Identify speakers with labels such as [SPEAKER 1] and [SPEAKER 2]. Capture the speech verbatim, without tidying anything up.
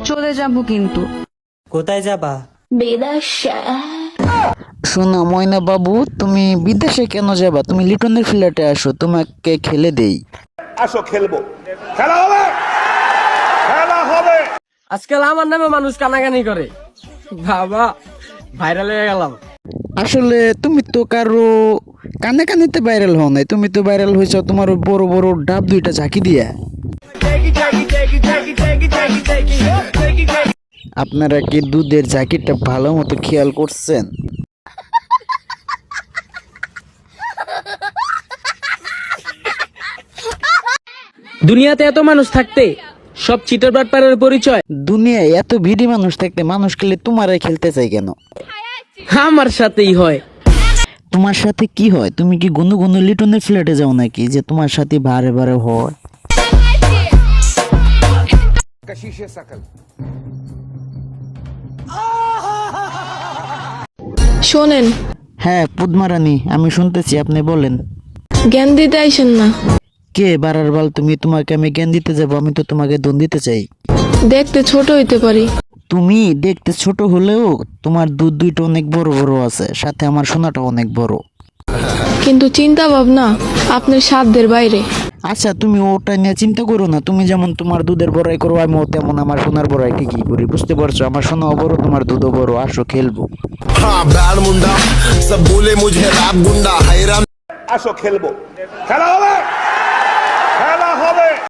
[SPEAKER 1] চলে যাব কিন্তু।
[SPEAKER 2] কোথায় যাবা?
[SPEAKER 3] শোনো ময়না বাবু, তুমি বিদেশে কেন যাবা? তুমি লিটনের ফ্ল্যাটে আসো, তোমাকে খেলে দেই।
[SPEAKER 4] আসো খেলবো, খেলা হবে, খেলা হবে।
[SPEAKER 2] আজকাল আমার নামে মানুষ কানাকানি করে, বাবা ভাইরাল হয়ে গেলাম।
[SPEAKER 3] আসলে তুমি তো কারো কানে কানেতে ভাইরাল হও নাই, তুমি তো ভাইরাল হয়েছ তোমার ওই বড় বড় ডাব দুইটা ঝাঁকি দিয়া। আপনারা কি দুধের ঝাঁকিটা ভালো মতো খেয়াল করছেন?
[SPEAKER 2] দুনিয়াতে এত মানুষ থাকতে সব চিটার বাটপারের পরিচয়।
[SPEAKER 3] দুনিয়ায় এত ভিড়ি মানুষ থাকতে মানুষ খেলে তোমারাই খেলতে চাই কেন?
[SPEAKER 2] আমার সাথেই হয়।
[SPEAKER 3] তোমার সাথে কি হয়? তুমি কি গুনু গুনু লিটনের ফ্ল্যাটে যাও নাকি যে তোমার সাথে বারে বারে হয়?
[SPEAKER 5] শোনেন,
[SPEAKER 3] হ্যাঁ পুদমারানি, আমি শুনতেছি, আপনি বলেন।
[SPEAKER 5] জ্ঞান দিতে আইসেন না।
[SPEAKER 3] কে বারার বাল? তুমি, তোমাকে আমি জ্ঞান দিতে যাবো? আমি তো তোমাকে দন দিতে চাই।
[SPEAKER 5] দেখতে ছোট হইতে পারি।
[SPEAKER 3] তুমি দেখতে ছোট হলেও তোমার দুধ দুইটা অনেক বড় বড় আছে, সাথে আমার সোনাটা অনেক বড়।
[SPEAKER 5] কিন্তু চিন্তা ভাবনা আপনার সাধ্যের বাইরে।
[SPEAKER 3] আচ্ছা তুমি ওটা নিয়ে চিন্তা করো না, তুমি যেমন তোমার দুধের বড়াই করো আমিও তেমন আমার সোনার বড়াই ঠিকই করি, বুঝতে পারছো? আমার সোনাও বড়, তোমার দুধও বড়, আসো খেলবো।
[SPEAKER 4] আসো খেলবো, খেলা হবে।